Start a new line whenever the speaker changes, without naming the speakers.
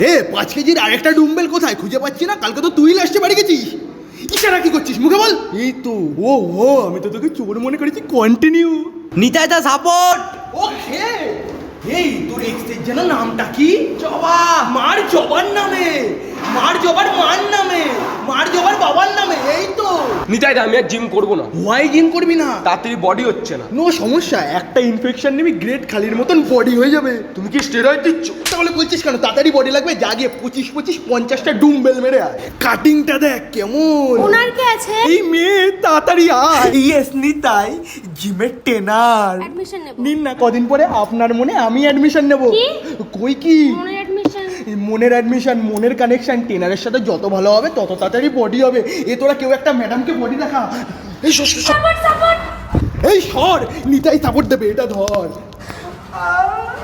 5 কেজির আরেকটা ডুম্বেল কোথায় খুঁজে পাচ্ছি না। কালকে তো তুই লাস্টে বাড়ি গেছিস। ইশারা কি করছিস মুখে বল। এই তো ও আমি তো তোকে চোর মনে করেছি। কন্টিনিউ।
নিতাই দা সাপোর্ট।
ওকে। এই তোর এক্সের যেন নামটা কি? জবা। মার জবার নামে, মার জবার মার নামে, মার জবার বাবার নামে। এই তো
নিতাই দা আমি আর জিম করবো না।
হোয়াই জিম করবি না?
তাড়াতাড়ি বডি হচ্ছে না।
নো সমস্যা, একটা ইনফেকশন নিবি, গ্রেট খালির মতন বডি হয়ে যাবে।
তুমি কি স্টেরয়েড দিচ্ছ?
তাহলে বলছিস কেন? তাড়াতাড়ি বডি লাগবে, যা গিয়ে 25-50টা ডুম্বেল মেরে আয়। কাটিংটা দেখ কেমন।
ওনার কি আছে?
এই মেয়ে তাড়াতাড়ি আয়। ইয়েস নিতাই, জিমের ট্রেনার।
অ্যাডমিশন নেব।
নিন না, কদিন পরে আপনার মনে আমি অ্যাডমিশন নেব।
কি?
কই কি
মনের অ্যাডমিশন?
মনের অ্যাডমিশন, মনের কানেকশন। ট্রেনারের সাথে যত ভালো হবে তত তাড়াতাড়ি বডি হবে। তোরা কেউ একটা ম্যাডামকে বডি দেখা। এই সর, সর, সর।
Support support.
এই সর, নিতাই সাপোর্ট দেবে, এটা ধর।